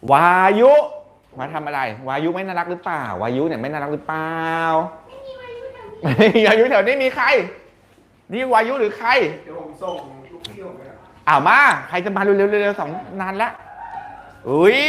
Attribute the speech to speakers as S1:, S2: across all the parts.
S1: วายุมาทำอะไรวายุไม่น่ารักหรือเปล่าวายุเนี่ยไม่น่ารักหรือเปล่าไม่มีวายุแถวนี้มีใครนี่วายุหรือใคร
S2: เดี๋ยวผมส่งลูกพี่ผมไปครับ
S1: มาใครจะมาเร็วๆเร็วๆสองนานแล้วอุ้ย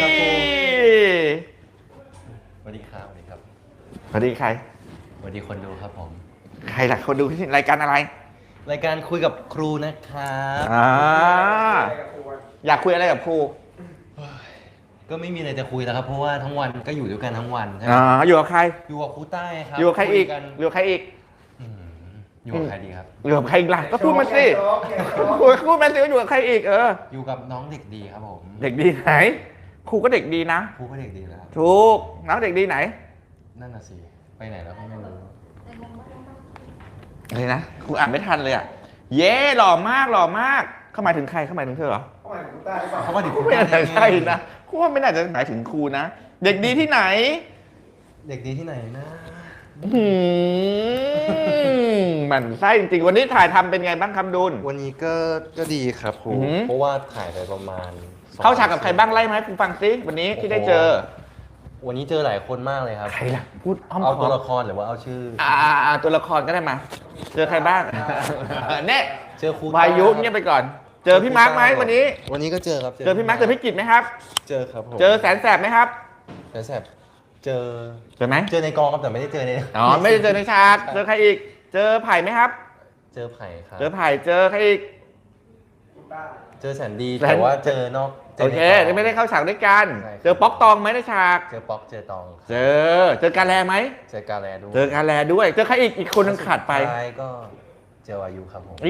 S3: สวัสดีครับสวัสดีครับ
S1: สวัสดีใคร
S3: สวัสดีคนดูครับผม
S1: ใครล่ะคนดูรายการอะไร
S3: รายการคุยกับครูนะครับ
S1: อยากคุยอะไรกับครู
S3: ก็ไม่มีอะไรจะคุยแล้วครับเพราะว่าทั้งวันก็อยู่ด้วยกันทั้งวันใช่ไหม
S1: อยู่กับใคร
S3: อยู่กับครูใต้ครับ
S1: อยู่กับใครอีกอยู่กับใครอีก
S3: อยู่กับใครดีครับ
S1: อยู่กับใครอีกล่ะก็พูดมาสิพูดมาสิว่าอยู่กับใครอีก
S3: อยู่กับน้องเด็กดีครับผม
S1: เด็กดีไหนครูก็เด็กดีนะ
S3: ครูก็เด็กดีแล้ว
S1: ถูกน้องเด็กดีไหน
S3: นั่นน่ะสิไปไหนแล้วก็ไม่รู้
S1: อะไรนะครูอ่านไม่ทันเลยเย้หล่อมากหล่อมากเขาหมายถึงใครเขาหมายถึงเธอเหรอ
S3: เขาหมายถึงครูใต้หรือเปล่า
S1: เขาไม่น่าจะใช่นะครูว่าไม่น่าจะหมายถึงครูนะเด็กดีที่ไหน
S3: เด็กดีที่ไหนนะ
S1: มันไส้จริงๆวันนี้ถ่ายทำเป็นไงบ้างคำดุล
S3: วันนี้ก็ดีครับครูเพราะว่าถ่ายไปประมาณ
S1: เข้าฉากกับใครบ้างไล่ไหมฟังซิวันนี้ที่ได้เจอ
S3: วันนี้เจอหลายคนมากเลยครับ
S1: ใครล่ะพูด
S3: เอาตัวละครหรือว่าเอาชื่อ
S1: ตัวละครก็ได้มาเจอใครบ้างเนี่ย
S3: เจอครู
S1: วายุเนี่ยไปก่อนเจอพี่มาร์คไหมวันนี้
S3: ก็เจอครับ
S1: เจอพี่มาร์คเจอพี่กิตไหมครับ
S3: เจอครับผม
S1: เจอแสนแสบไหมครับ
S3: แสนแสบเจอ
S1: ไหม
S3: เจอในกองครับแต่ไม่ได้เจอใน
S1: ไม่ได้เจอในฉากเจอใครอีกเจอไผ่ไหมครับ
S3: เจอไผ่ครับ
S1: เจอไผ่เจอใครอีก
S3: เจอแสนดีแต่ว่าเจอนอก
S1: โอเคไม่ได้เข้าฉากด้วยกันเจอป๊อกตองไหมในฉาก
S3: เจอป๊อกเจอตอง
S1: เจอกาแลไหม
S3: เจอกาแลด้วย
S1: เจอกาแลด้วยเจอใครอีกคนนึงขาดไป
S3: ก็เจอวายุครับผม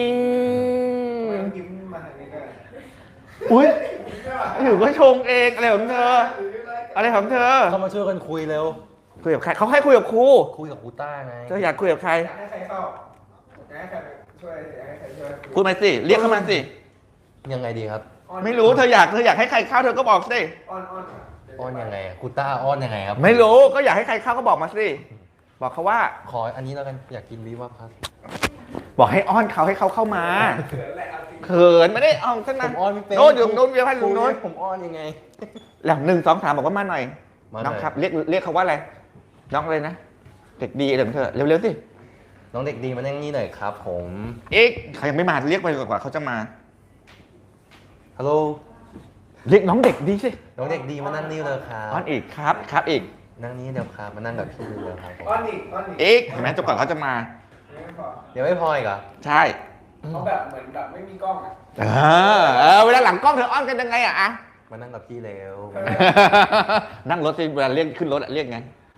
S2: ยิ้มมาทางนี้ก็
S1: อุ้ยอยู่ก็ชงเองอะไรของเธออะไรของเธอ
S3: เข้ามาช่วยกันคุยเร็ว
S1: คุยกับใครเขาให้คุยกับครู
S3: ต้าไง
S1: เธออยากคุยกับใคร
S2: อยากให้ใครเข้าอยากให้ใครช่วยอยากให้ใครช่วย
S1: พูดมาสิเรียกเข้ามาสิ
S3: ยังไงดีครับ
S1: ไม่รู้เธออยากให้ใครเข้าเธอก็บอกสิ
S3: อ้อนยังไงครูต้าอ้อนยังไงครับ
S1: ไม่รู้ก็อยากให้ใครเข้าก็บอกมาสิบอกเขาว่า
S3: ขออันนี้แล้วกันอยากกินวิวครับ
S1: บอกให้อ้อนเขาให้เขาเข้ามาเขินไม่ได้เอาท่านนั้น
S3: ผมอ้อนไม่เป็น
S1: โน้ตอยู่โน้ตเวียพันลุงโน้ต
S3: ผมอ้อนยังไง
S1: หลัง1 2 3บอกว่ามาหน่อยน้องครับเรียกเขาว่าอะไรน้องอะไรนะเด็กดีเดี๋ยวเธอเร็วๆสิ
S3: น้องเด็กดีมานั่งนี่หน่อยครับผม
S1: เขายังไม่มาเรียกไปกว่าเขาจะมา
S3: ฮัลโหล
S1: เรียกน้องเด็กดีสิ
S3: น้องเด็กดีมานั่งนี่เลยครับ
S1: อ้อนอีกครับอีก
S3: นั่งนี้เดี๋ยวครับมานั่งกับพี่เลยครับ
S2: อ้อนอีก
S1: เห็นไหมจนกว่าเขาจะมา
S3: เดี๋ยวไม่พออีกเหรอ
S1: ใช่
S2: เขาแบบเหมือนแบบไม่มีกล้อง
S1: เวลาหลังกล้องเธออ้อนกันยังไง
S3: มานั่งกับพี่เร็ว
S1: นั่งรถสิเวลาเรียกขึ้นรถเรียกไง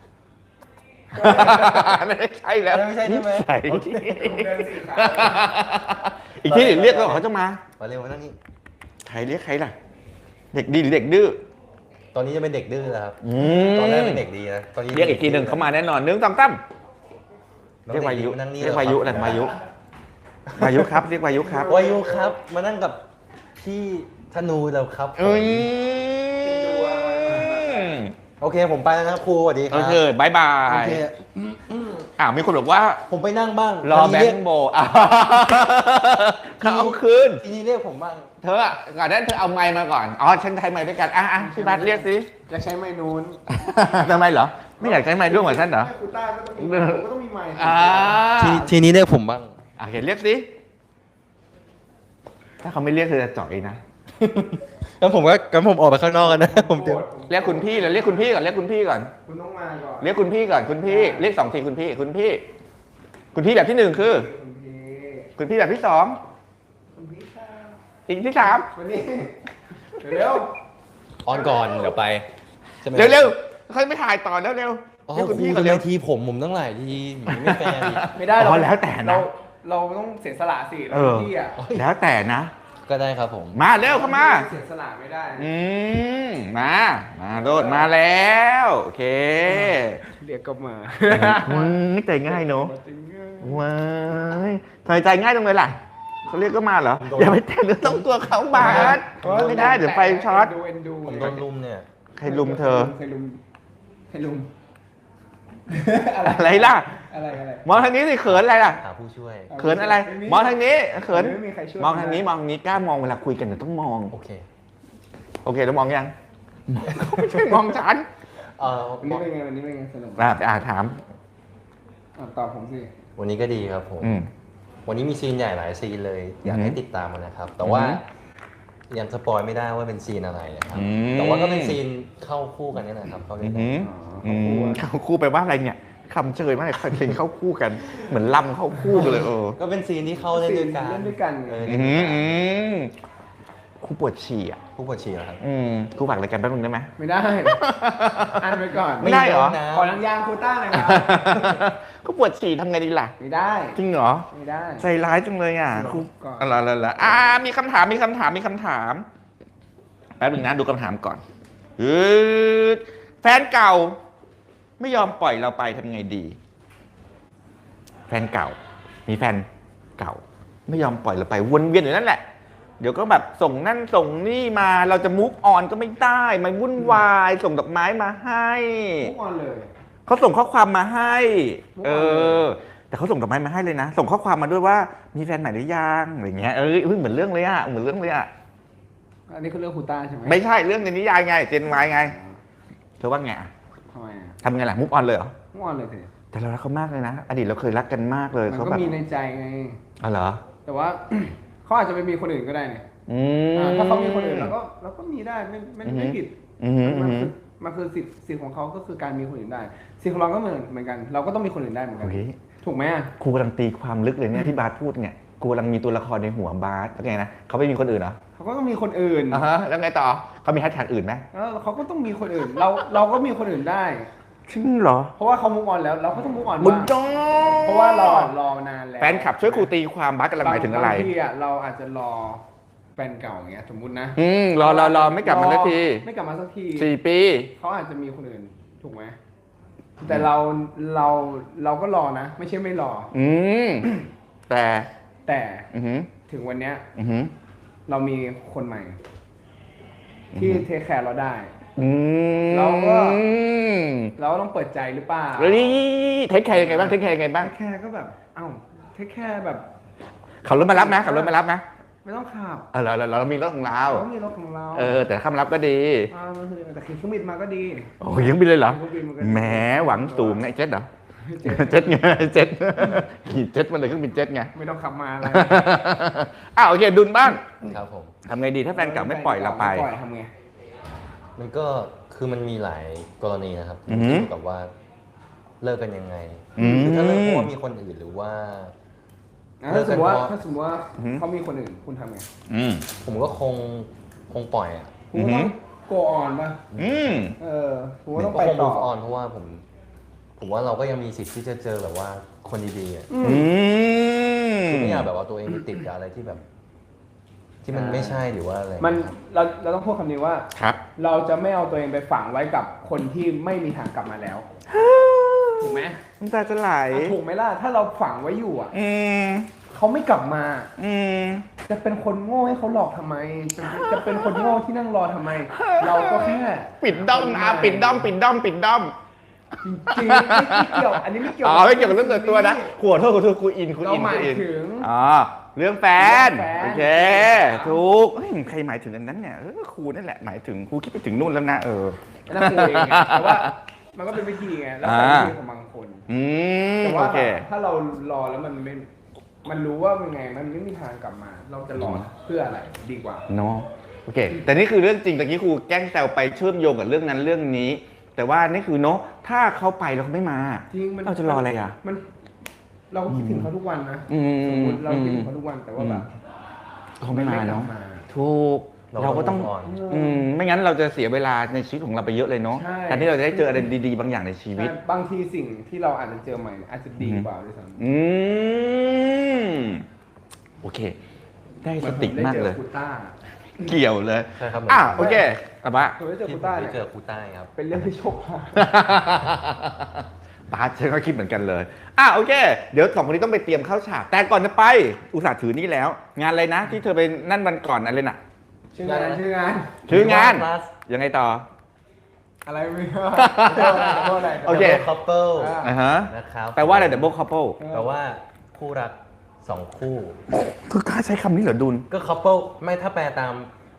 S1: ไม่ใช่แล้ว
S3: ไม่ใช่ใช่ไหม
S1: อีกที่เรียกเขาจะมา
S3: เร็วมานั่งนี่
S1: ใครเรียกใครล่ะเด็กดีหรือเด็กดื้อ
S3: ตอนนี้จะเป็นเด็กดื้อแล้วครับตอนแรกเป็นเด็กดีนะตอนนี้
S1: เรียกอีกทีหนึ่งเขามาแน่นอน1 2 3เรียกวายุเรียกวายุอะไรวายุครับเรียกวายุครับ
S3: วายุครับมานั่งกับพี่ธนูแล้วครับโอเคผมไปแล้วนะครูสวัสดีครับ
S1: โอเคบายบายมีคนบอกว่า
S3: ผมไปนั่งบ้าง
S1: รอแบงค์โบเขาเอาคืน
S3: ทีนี้เรียกผมบ้าง
S1: เธอก่อนนั้นเธอเอาไมค์มาก่อนฉันใช้ไมค์ด้วยกันพี่บัสเรียกสิ
S2: จะใช้ไมค์นู้น
S1: ทำไมเหรอไม่อยากใช้ไมค์ด้วยเหมือนฉันเหรอ
S2: คุณต้าก็ต้องมีไมค์
S3: ทีนี้เรียกผมบ้าง
S1: เห็นเรียกสิถ้าเขาไม่เรียกเธอจะจ่อยนะ
S3: งั้นผมออกไปข้างนอกกันนะผม
S1: เรียกคุณพี่เรียกคุณพี่ก่อน
S2: คุณต้องมาก่อน
S1: เรียกคุณพี่ก่อนคุณพี่เรียก2 ทีคุณพี่แบบที่1คือคุณพี่แบบที่2อีกที่3
S2: วันนี้เร็ว
S3: ออนก่อนเดี๋ยวไป
S1: เร็วเขาไม่ถ่ายต่อแล้วเร็ว
S3: เรียกคุณพี่ก่อนเร็วทีผมตั้งหลายทีไม่แฟร์
S2: ไม่ได้
S1: แล้วแต่นะ
S2: เราต้องเสียสละสิพี่
S1: แล้วแต่นะ
S3: ก็ได้ครับผม
S1: มาเร็วเข้ามา
S2: เสียสละไม่ได้
S1: มาโดดมาแล้วโอเค
S2: เรียกก็มา
S1: ไม่ใจง่ายเนาะว้ายทำไมใจง่ายตรงเลยล่ะเขาเรียกก็มาเหรออย่าไปแตะเนื้อต้องตัวเขาบาดไม่ได้เดี๋ยวไฟช็อต
S3: ผมโดนลุมเนี่ย
S1: ใครลุมเธอ
S2: ใครลุม
S1: อะไรล่ะมองทางนี้สิเขินอะไรล่ะ
S3: หาผู้ช่วย
S1: เขินอะไรมองทางนี้เขินมองทางนี้กล้ามองเวลาคุยกันเดี๋ยวต้องมองโอเคแล้วมองยังเขาไม่ใช่มองฉัน
S2: วันนี้เป็นไงวันนี้เป็นไงสนุก
S1: ถาม
S2: ตอบผมสิ
S3: วันนี้ก็ดีครับผม
S1: อืม
S3: วันนี้มีซีนใหญ่หลายซีนเลย อยากให้ติดตามมันนะครับ แต่ว่ายังสปอยไม่ได้ว่าเป็นซีนอะไรนะครับ แต่ว่าก็เป็นซีนเข้าคู่กันนี่แหละครับเข้าด้วยกัน
S1: เข้าคู่ไปว่าอะไรเนี่ยคำเชยมากเลยเพลงเข้าคู่กัน เหมือนลำเข้าคู่กันเลย
S3: ก็เป็นซีนที่เข้าเล่นด้วยกัน
S2: เล่นด้วยกัน
S1: คู่ปวดฉี่อ่ะ
S3: ผู้ปวดฉี่เหรอครับ
S1: คู่ฝากรายการแป๊บนึงได้ไหม
S2: ไม่ได้อ่านไปก่อน
S1: ไม่ได้เหรอ
S2: ขอนังยางโควต้าหน่อยครับ
S1: คู่ปวดฉี่ทำไงดีล่ะ
S2: ไม่ได้
S1: จริงเหรอ
S2: ไม่ได้
S1: ใจร้ายจังเลยอ่ะคู่
S2: ก่อน
S1: อะไรมีคำถามแป๊บนึงนะดูคำถามก่อนแฟนเก่า ไม่ยอมปล่อยเราไปทำไงดี แฟนเก่า มีแฟนเก่า ไม่ยอมปล่อยเราไปวนเวียนอยู่นั่นแหละ เดี๋ยวก็แบบส่งนั่นส่งนี่มาเราจะมูฟออนก็ไม่ได้มันวุ่นวายส่งดอกไม้มาให้
S2: ทุกวันเลย
S1: เขาส่งข้อความมาให้
S2: เออ
S1: แต่เขาส่งดอกไม้มาให้เลยนะ ส่งข้อความมาด้วยว่ามีแฟนใหม่หรือยังอะไรเงี้ยเหมือนเรื่องเลยอะเหมือนเรื่องเลยอะ
S2: อันนี้คือเรื่องโควต้าใช่ไหม
S1: ไม่ใช่เรื่องในนิยายไงเจนวายไงเธอว่าไงอะ
S2: ทำไมอ่ะ
S1: ทำไงล่ะมูฟออนเลยเหรอ
S2: ทุกวันเลยสิ
S1: แต่เรารักเขามากเลยนะ อดีตเราเคยรักกันมากเลย
S2: มัน
S1: เขา
S2: ก็
S1: แบบ
S2: มีในใจไง
S1: อ๋อเหรอ
S2: แต่ว่า เขาอาจจะไปมีคนอื่นก็ได้เนี่ย ถ้าเขามีคนอื่นเราก็มีได้ไม่ผิดมันคือสิทธิ์ของเขาก็คือการมีคนอื่นได้สิทธิ์ของเราก็เหมือนกัน เราก็ต้องมีคนอื่นได้เหมือนกัน
S1: โอเค
S2: ถูกไหมอ่ะ
S1: ครูกำลังตีความลึกเลยเนี่ยที่บาสพูดเนี่ยครูกำลังมีตัวละครในหัวบาสแล้วไงนะเขาไม่มีคนอื่นเหรอ
S2: เขาก็ต้องมีคนอื่น
S1: แล้วไงต่อเขามีแฮชแท็กอื่นไหม
S2: แล้วเขาก็ต้องมีคนอื่น เราก็มีคนอื่นได้
S1: จริงเหรอ
S2: เพราะว่าเขามุกออนแล้วเราก็ต้องมุกออน
S1: บุญ
S2: บ้าง
S1: จง
S2: เพราะว่ารอนานแล้ว
S1: แฟนคลับช่วยครูตีความบาสกำลังหมายถึงอะไร
S2: บางทีอ่ะเราอาจจะรอแฟนเก่าอย่างเงี้ยสมมุตินะ
S1: รอไม่กลับมาสักที
S2: ไม่กลับมาสักที
S1: 4 ปี
S2: เขาอาจจะมีคนอื่นถูกไหมแต่เราก็รอนะ ไม่ใช่ไม่รอ
S1: แต่
S2: แต่ถึงวันเนี้ยเรามีคนใหม่ ที่เทคแคร์เราได้ เราก็ต้องเปิดใจหรือเปล่า
S1: แล้วนี่เทคแคร์ยังไงบ้างเทคแคร์ยังไงบ้าง
S2: เทคแคร์ก็แบบเทคแคร์แบบ
S1: ขับรถมารับนะขับรถมารับนะ
S2: ไม่ต้องขับ
S1: เรามีรถของเรา
S2: เรามีรถของเรา
S1: แต่ข้ามรับก็ดี
S2: แต่ขี่เครื่องบินมาก็ดี
S1: โอ้ยยังบินเลยเหรอ
S2: เครื่องบินมันก็ดี
S1: แหมหวังสูงไงเจ็ตเหรอเจ็ตไงเจ็ตขี่เจ็ตมาเลยเครื่องบินเจ็ตไง
S2: ไม่ต้องขับมาอะไร
S1: โอเคดุลบ้าง
S3: ครับผม
S1: ทำไงดีถ้าแฟนเก่าไม่ปล่อยเราไป
S2: ม่ปล่อยทำไง
S3: มันก็คือมันมีหลายกรณีนะครับ
S1: อือหือ
S3: เกี่ยวกับว่าเลิกกันยังไงคือถ้าเลิกเพราะว่ามีคนอื่นหรือว่า
S2: ถ้าสมมติว่าเขามีคนอื่นคุณทำไง
S3: ผมก็คงปล่อยอ่ะ
S2: คุณก็ต้อง go on ป่ะผมก็ต้องไป
S3: คง
S2: ต่อ
S3: move on เพราะว่าผมว่าเราก็ยังมีสิทธิ์ที่จะเจอแบบว่าคนดีๆอ่ะคือไม่อยากแบบว่าตัวเองไปติดกับอะไรที่แบบ ที่มันไม่ใช่หรือว่าอะไร
S2: มันเราต้องพูดคำนี้ว่า
S1: ครับ
S2: เราจะไม่เอาตัวเองไปฝังไว้กับคนที่ไม่มีทางกลับมาแล้ว ถูกไหม
S1: น้ำตาจะไหล
S2: ถูกไหมล่ะถ้าเราฝังไว้อยู่อ่ะ
S1: ม
S2: เขาไม่กลับมา
S1: ม
S2: จะเป็นคนโง่ให้เขาหลอกทำไม จะเป็นคนโง่ที่นั่งรอทำไม เราก็แค่
S1: ปิดด้อมปิดด้อม
S2: จริงๆไม่เกี่ยวอันนี้ไม่เกี่ยว
S1: ไม่เกี่ยวกับเรื่องส่วนตัวนะขอโทษครูอิน
S2: เราหมายถึง
S1: เรื่องแฟน
S2: เรื่องแฟน
S1: โอเคถูกใครหมายถึงอันนั้นเนี่ยครูนั่นแหละหมายถึงครูคิดไปถึงนู่นแล้วนะ
S2: นั่นคือเองไงแต่ว่ามันก็เป็นวิธีไงแล้วแต่วิธีของบางคนแต่
S1: โอ
S2: ว่า
S1: เค
S2: ถ้าเรารอแล้วมันรู้ว่าเป็นไงมันไม่มีทางกลับมา เราจะรอเพื่ออะไรดีกว่า
S1: เนาะโอเค แต่นี่คือเรื่องจริงตะกี้ครูแกล้งแซวไปเชื่อมโยงกับเรื่องนั้นเรื่องนี้ แต่ว่านี่คือเนาะถ้าเขาไปแล้วเขาไม่มา
S2: จริงมัน
S1: เราจะรออะไรอ่ะ
S2: เราก็คิดถึงเขาทุกวันนะสมมติเราคิดถึงเขาทุกวันแต่ว่าแบบ
S1: เขาไม่มาเนาะ
S2: ไกลับ
S1: ถูกเราก็ต้อง ไม่งั้นเราจะเสียเวลาในชีวิตของเราไปเยอะเลยเนาะ
S2: ใช่
S1: แทนที่เราจะได้เจออะไรดีๆบางอย่างในชีวิต
S2: บางทีสิ่งที่เราอาจจะเจอใหม่อาจจะดีกว่าด้วยซ้ำ
S1: โอเค ได้สติมากเลย
S2: หอนผได้จอคูต้า
S1: เกี่ยวเลย
S3: ใช่ครับ
S1: โอเคอะบะ
S2: ผมได้เจอ
S3: ที่
S2: คู
S3: ผม
S2: ต้า
S3: ได้
S2: เนี่ย
S3: เจอครูใต้ครับ
S2: เป็นเรื่องที่โชคร้าย
S1: บาสฉันก็คิดเหมือนกันเลยโอเค เดี๋ยวสองคนนี้ต้องไปเตรียมเข้าฉาก แต่ก่อนจะไป อุตส่าห์ถือนี่แล้ว งานอะไรนะ ที่เธอไปนั่นวันก่อนอะไรน่ะ
S2: ชื่องาน
S1: ยังไงต่อ
S2: อะไรไม่รู้อะไร
S1: โอเค
S3: Double couple นะครับ
S1: แปลว่าอะไร double couple
S3: แปลว่าคู่รักสองคู่
S1: คือกล้าใช้คำนี้เหรอดุล
S3: ก็ couple ไม่ถ้าแปลตาม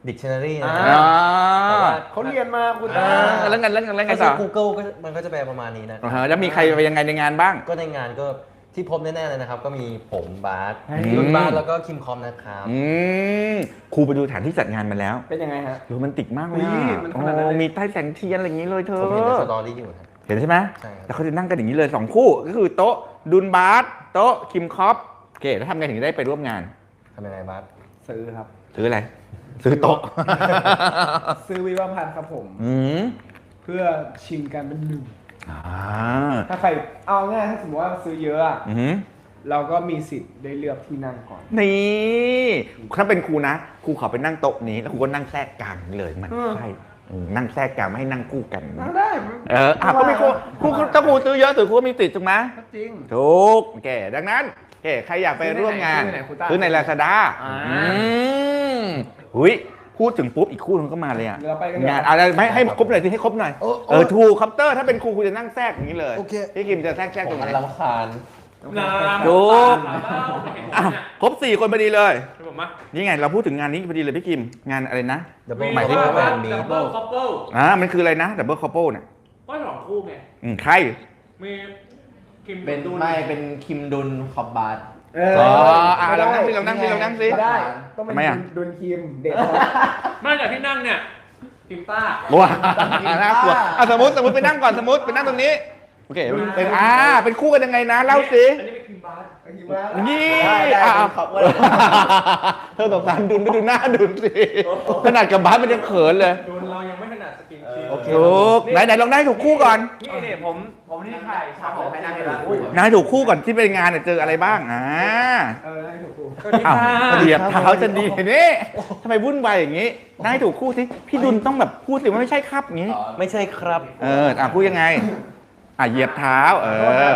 S3: dictionary นะ
S2: อ่า
S3: แต่ว่า
S2: เขาเรียนมาคุณ
S1: แล้วไง
S3: ถ้า
S1: ต่
S3: ใช้
S1: อ
S3: Google ก็มันก็จะแปลประมาณนี้นะ
S1: แล้วมีใครไปยังไงในงานบ้าง
S3: ก็ในงานก็ที่พบแน่ๆเลยนะครับ ก็มีผมบาส
S1: อืม
S3: รุ่นบาสแล้วก็คิมคอมนะครับ
S1: ครูไปดูสถานที่จัดงานมาแล้ว
S2: เป็นยังไงฮะ
S1: โรแมนติกมากเลย
S2: อุ๊ยมันขนาดนั้นเลย
S1: มีใต้แสงเทียนอะไรอย่างนี้เลยเธ
S3: ผมเห็นใน
S1: อ
S3: สตอรี่อยู่นะ
S1: เห็นใช่ไหม
S3: ใช่ครับ
S1: แล้วเขาจะนั่งกันอย่างนี้เลย2คู่ก็คือโต๊ะดุนบาสโต๊ะคิมคอปโอเคแล้วทำไงถึงได้ไปร่วมงาน
S3: ทำยังไงบาส
S2: ซื้อครับ
S1: ซื้ออะไรซื้อโต๊ะ
S2: ซื้อวิวาพันธ์ครับผม
S1: อืม
S2: เพื่อชิงกันเป็นหนึ่ง
S1: อ่า
S2: ถ้าใครเอาง่ายถ้าสมมติว่าซื้อเยอะอะ
S1: อือหือ
S2: เราก็มีสิทธิ์ได้เลือกที่นั่งก่อน
S1: นี่ถ้าเป็นครูนะครูขอไปนั่งโต๊ะนี้แล้วครูก็นั่งแทรกกลางเลยมันใช่นั่งแทรกกลางไม่ให้นั่งคู่กัน
S2: นั่งได้
S1: ก็มีครูถ้าครูซื้อเยอะถือครูก็มีติดถูกไหม
S2: ก็จริง
S1: ถูกโอเคดังนั้นโอเคใครอยากไปร่วมงาน
S2: ซื้อในไหนครูต้า
S1: ซื้อใน Lazada
S2: อ่า
S1: หุยพูดถึงปุ๊บอีกคู่นึงก็มาเลยอ่ะ
S2: เดี๋ยวเราไปกันเดี๋ยว
S1: งานอะไรไม่ให้ครบหน่อยสิให้ครบหน่อยถูกคัปเตอร์ถ้าเป็นครูจะนั่งแทรกอย่างนี้เลย
S3: โอเค
S1: พี่คิมจะแทรกต
S3: ผ
S1: ร
S3: ม
S1: งไหน
S3: มันรำคาญ
S1: ถูกอ้าวครบ4คนพอดีเลย
S4: ผมมา
S1: นี่ไงเราพูดถึงงานนี้พอดีเลยพี่คิมงานอะไรนะ
S3: Double
S1: หมายถึง
S3: Double
S4: ว่า
S3: มี
S4: ดับเบิลคัพเปิล
S1: มันคืออะไรนะดับเบิลคัพเปิลเนี่ย
S4: ก็สองคู่ไง
S1: ใคร
S4: มีคิม
S5: เป็น
S4: ดู
S5: ไม่เป็นคิมดุนขอบบาส
S1: เรานั่งสิเรานั่งสิเรานั่งสิ
S2: ได้ ต้องเป็น
S1: ทำไมอะ
S2: ดุนคิมเด็ก
S4: ไม่จากที่นั่งเนี่ยคิมต้า
S1: ว้าน่ากลัวสมมติไปนั่งก่อนสมมติไปนั่งตรงนี้โอเคเป็นเป็นคู่กันยังไงนะเล่าสิ
S4: อันนี้เป็นคิมบาส
S1: นี่
S5: ได้
S1: ขอบเธอสงสารดุนไปดูหน้าดุนสิขนาดกับบาสมันยังเขินเลย
S4: โดนเรายังไม่ถนัดสกินชิป
S5: โอเค
S1: ถูกไหนลองได้ถูกคู่ก่อน
S4: นี่ผมนี่ถ่ายฉากของ
S5: ให้นั่งให้ดู
S1: นายถูกคู่ก่อนที่เป็นงานเจออะไรบ้าง
S2: ได้ถูกครู
S1: อ้าวเหยียบเท้าจะดีนี่ทำไมวุ่นวายอย่างนี้นายถูกคู่สิพี่ดุลต้องแบบพูดสิว่าไม่ใช่ครับอย่างนี้
S3: ไม่ใช่ครับ
S1: พูดยังไงเหยียบเท้า
S2: โอ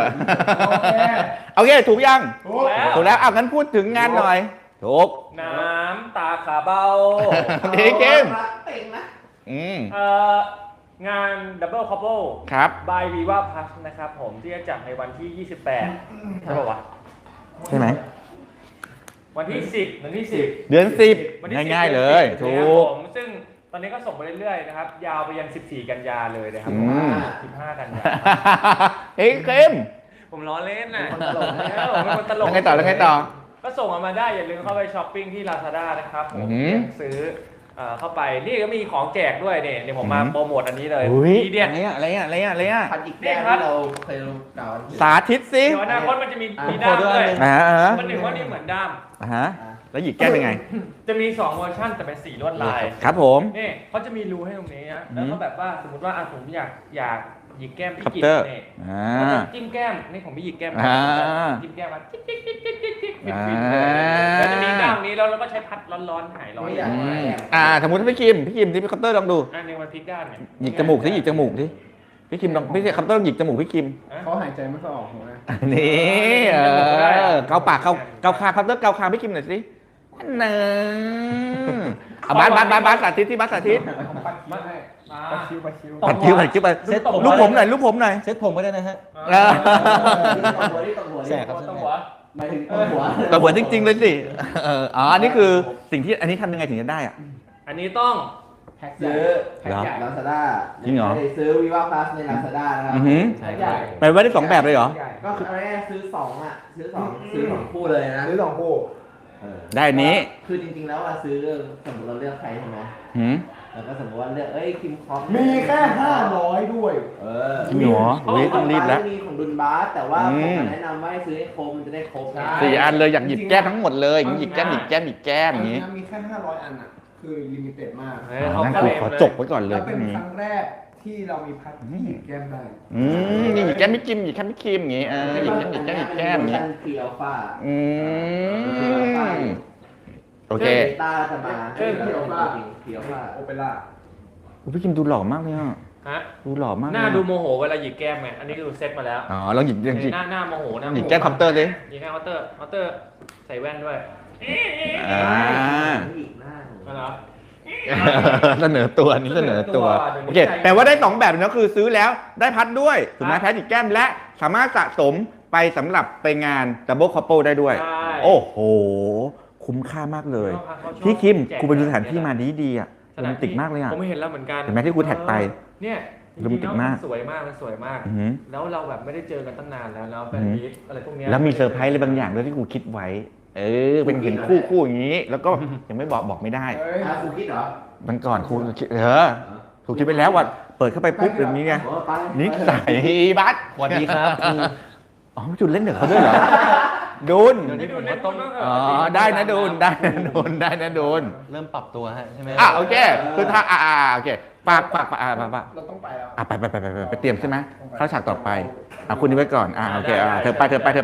S2: เค
S1: ถูกยัง
S2: ถูก
S1: แล้วงั้นพูดถึงงานหน่อยถูก
S4: น้ำตาขาเบา
S1: ดีเกม
S5: เต็งนะ
S4: งานดับเบิลคัพเปิล
S1: ครับ
S4: บายวีว่าพัสนะครับผมที่จะจัดในวันที่ 28ใช่ป่าวะ
S1: ใช่ไหม
S4: วันที่ 10วันที่ 10
S1: เดือน
S4: วันที่
S1: 10ง่ายๆเลย
S4: ถู
S1: ถูก
S4: ผมซึ่งตอนนี้ก็ส่งไปเรื่อยๆนะครับ ยาวไปยัน 14 กันยาเลยนะครับ
S1: อืม
S4: 15 กันยา
S1: เฮ้ยเกม
S4: ผมล้อเล่นน่ะผมเป็นคนตลก
S1: แล้วไงต่อ
S4: ก็ส่งมาได้อย่าลืมเข้าไปช้อปปิ้งที่ Lazada นะครับผม
S1: อือหือ
S4: ซื้อเข้าไปนี่ก็มีของแจกด้วยเนี่ยเดี๋ยวผมมา
S1: อือหือ
S4: โปรโมทอันนี้เลย
S1: อุ้ย
S4: ทีเด็ด
S1: อะไรอ่ะ
S5: พันอีกแก้วที่เราเคยกล่าว
S1: สาธิตสิ
S4: เดี๋ยวอนาคตมันจะมีด้ามด้วย มันหนึ่งว่านี่เหมือนด้าม
S1: แล้วหยิกแก้มยังไง
S4: จะมี 2 เวอร์ชันแต่เป็นสีลวดลาย
S1: ครับผม
S4: นี่เขาจะมีรูให้ตรงนี้นะแล้วก็แบบว่าสมมติว่าผมอยากหยิกแก้มพี่
S1: คัป
S4: กิจ
S1: เตอร์
S4: เนี่ย
S1: อ่า
S4: ก็จะจิ้มแก้มนี่ผมไม่หยิกแก้ม
S1: อ่า
S4: จิ้มแก้มมาจิ๊กจิ๊กจิ๊กจิ๊กจิ๊กจิ๊ก
S1: อ่า
S4: ฟินๆเลยแล้วจะมีด้ามนี้แล้วเราก็ใช้พัดร้อนๆหายร้อน
S1: สมมติพี่คิมที่พี่คัปเตอร์ลองดู
S4: อันนี้มันพลิกด้านเนี่ย
S1: หยิกจมูกสิหยิกจมูกสิพี่คิมลองพี่คัปเตอร์ลองหยิกจมูกพี่คิม
S2: เขาหายใจไม่ค่อยออกหัวนะ
S1: นี่เกาปากเกาคางคัปเตอร์เกาคางพี่คิมหน่อยสิเนบาสสาธิตที่บาสสาธิต
S2: ผมปัดคิ้วให้ปัดคิ้ว
S1: ปัดคิ้วไปลูกผมหน่อย
S3: เซ็ตผมก็ได้นะฮะ
S5: แสบครับ
S4: ต้องหัว
S5: หมายถึงหัว
S1: แต่เหมือนจริงๆเลยสิอันนี้คือสิ่งที่อันนี้ทำยังไงถึงจะได้อ่ะ
S4: อันนี้ต้อง
S2: แพ็ค
S5: ซื้อ
S2: แพ็คใหญ่
S5: ลาซาด้า
S1: จริงเหรอ
S5: ซื้อวิวาพลัสในลาซาด้านะครับ
S1: อือหือ
S5: แพ็คใหญ่
S1: หมายว่าได้2แบบเลยเหรอ
S5: ก็คืออะไรซื้อ2อ่ะซื้อ2คู่เลยนะ
S2: ซื้อสองคู่
S1: ได้อันนี้
S5: คือจริงๆแล้วซื้อสมมติเราเลือกใครใช่ไหม
S1: หืม
S5: แล้วก็สมมติว่าเลือกคิมคอป
S2: มีแค่500ด้วย
S1: จริงเหรอเฮ้ยต้องรีบแล้ว
S5: มีของดุนบาสแต่ว่าผมแนะนำว่าให้ซื้อให้ครบมันจะได้ครบนะ
S1: 4 อันเลยอยากหยิบแก้มทั้งหมดเลยหยิบแก้มอย่างนี้
S2: มีแค่500 อันอ่ะ คือลิมิเต็ดมาก
S1: นั่นคือขอจบไว้ก่อนเล
S2: แล้
S1: ยว
S2: เป็น
S1: นี้
S2: ครั้งแรกที่เรามีพัดที่หยิบแก้มได้
S1: นี่หยิบแก้มไม่คิมอย่างนี้หยิบแก้มอย่างนี้
S5: เฟียลฟ้า
S1: โอเค
S5: ตาจะมาเฟียลฟ้า
S2: โอเปร่า
S1: พี่คิมดูหล่อมากเลยอ่ะ
S4: ฮะ
S1: ดูหล่อมาก
S4: หน้าดูโมโหเวลาหยิกแก้มไงอันนี้ก็ดูเซ็ตมาแล้ว
S1: ลองหยิบ
S4: หน้าโมโหหน้าโม
S1: หยิบ
S4: โห
S1: แก้มคัปเตอร์สิ
S4: หยิกแก้มเคาน์เตอร์ใส่แว่นด้วย
S5: อีกหน้า
S4: นั่นเหรอ
S1: เสนอตัวนี้เสนอตัวโอเคแต่ว่าได้2แบบนะคือซื้อแล้วได้พัดด้วยถูกไหมแพ้หยิบแก้มและสามารถสะสมไปสำหรับไปงานดับเบิลคัพเปิลได้ด้วย
S4: ใช่
S1: โอ้โห คคุ้มค่ามากเลย
S4: เขาชอบ
S1: พี่คิม
S4: แจก
S1: กูไปดูสถานที่มาดีๆอ่ะโรแมนติกมากเลยอ่ะ
S4: ผมไม่เห็นแล้วเหมือนกัน
S1: เห็นไหมที่กูแท็กไป
S4: เนี่ยจ
S1: โรแมนติกมาก
S4: สวยมากมันสวยมาก
S1: อือหือ
S4: แล้วเราแบบไม่ได้เจอกันตั้งนานแล้วแฟนมีตอะไรพวกเนี้ย
S1: แล้วมีเซอร์ไพรส์อะไรบางอย่างด้วยที่กูคิดไว้ เป็นเห็นคู่อย่างนี้ แล้วก็ยังไม่บอกไม่ได้
S2: เฮ้ย
S5: ครูคิดเหรอ
S1: มันก่อนครูคิดครูคิดไปแล้วว่าเปิดเข้าไปปุ๊บแบบนี้ไง
S5: โอ้ไป
S1: นิสัยบัส
S3: สวัสดีครับครู
S1: อ๋อจุดเล่นเด็กเขาด้วยเหรอดุน
S4: เดี๋ยวนี้ผมว่าต้อง
S1: อ๋อได้นะดุนได้นะดุนได้นะดุน
S3: เริ่มปรับตัวฮะใช่ไหม
S1: โอเคคือถ้าโอเคปาก
S2: เราต้องไปแล้ว
S1: ไปเตรียมใช่ไหมเข้าฉากต่อไปคุณนี้ไว้ก่อนโอเคเธอไป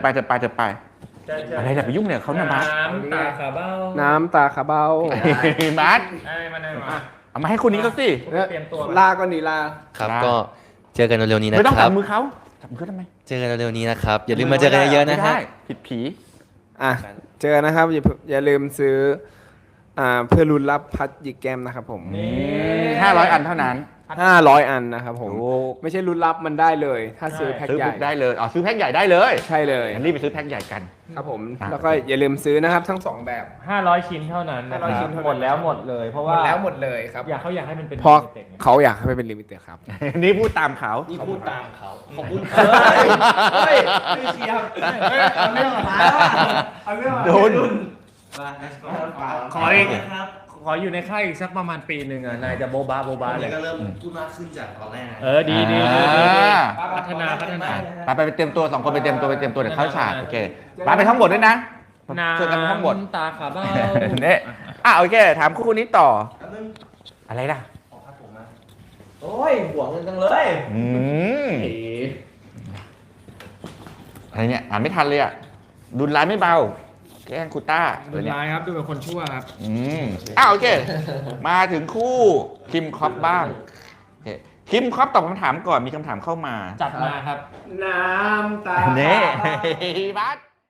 S1: อะไรเนี่ยไปยุ่งเนี่ยเขานะบัส
S4: น้ำตาขาเบ้า
S2: น้ำตาคาเบ้า
S1: บัส
S4: ไอ้มาไหนมา
S1: เอามาให้คนนี้เขาสิ
S4: เตรียมตัว
S2: ลาก่อนดีลา
S3: ครับ
S1: ได้
S3: ก็เจอกันเร็วๆนี้นะ
S1: ไม่ต้อง
S3: ครั
S1: จั
S3: บ
S1: บมือเขาจับมือเขาทำไม
S3: เจอกันเร็วๆนี้นะครับ อย่าลืมมาเจอกันเยอะๆนะ
S1: ไม่
S3: ฮะ
S1: ได้ผิดผี
S2: อ่ะเจอนะครับอย่าลืมซื้อเพื่อลุ้นรับพัดหยิกแก้มนะครับผม
S1: 500 อันเท่านั้น
S2: 500 อันนะครับผม
S1: โอ้
S2: ไม่ใช่ลุ้นรับมันได้เลย ถ้าซื้อแพ็ค
S1: ซื้อ
S2: ใหญ่
S1: ได้เลยซื้อแพ็คใหญ่ได้เลย
S2: ใช่เลย
S1: งั้นรีบไปซื้อแพ็คใหญ่กัน
S2: ครับผม
S1: อ่ะ
S2: แล้วก็อย่าลืมซื้อนะครับทั้งสองแบบ
S4: 500 ชิ้นเท่านั้นนะค
S2: 500
S4: รับ
S2: ชิ้นเท่านั้น
S4: หมดแล้วหมดเลย เพราะ
S2: หม
S4: ว่า
S2: ดแล้วหมดเลยครับ
S4: เขาอยากให้มันเป็น
S2: เพราะ
S4: limited ไง
S2: เขาอยากให้มันเป็นลิมิเต็ดครับ
S1: นี่พูดตามเขา
S3: นี่พูดตามเขาขอบคุณ
S5: เฮ้ยไม่เชียร์เอาเรื่องมาแล้วเอาเรื่องมา
S1: โดน
S4: ขออีกขออยู่ในค่ายอีกสักประมาณปีหนึ่งนายจะโบบาเลย
S3: ก็เริ่มพูดมากขึ้นจากตอนแรก
S4: ดีพัฒนา
S1: ไปเตรียมตัว2 คนไปเตรียมตัวเดี๋ยวเข้าฉากโอเคไปทั้งหมดด้วยนะเจอกันทั้งหมด
S4: ตาขาเบ้า
S1: เนี่ยโอเค ถามคู่นี้ต่อ อะไรล่ะ
S5: โอ้ยห่วงเงินจังเลย
S1: อะไรเนี่ย อ่านไม่ทันเลยอ่ะดุนร้ายไม่เบา แกล้งคูต้า
S4: ดูร้ายครับดูเป็นคนชั่วครับ
S1: โอเค มาถึงคู่คิมคอปบ้างโอเคคิมคอปตอบคำถามก่อนมีคำถามเข้ามา
S4: จัดมาครับ
S2: น้ำตา
S1: เน่บัส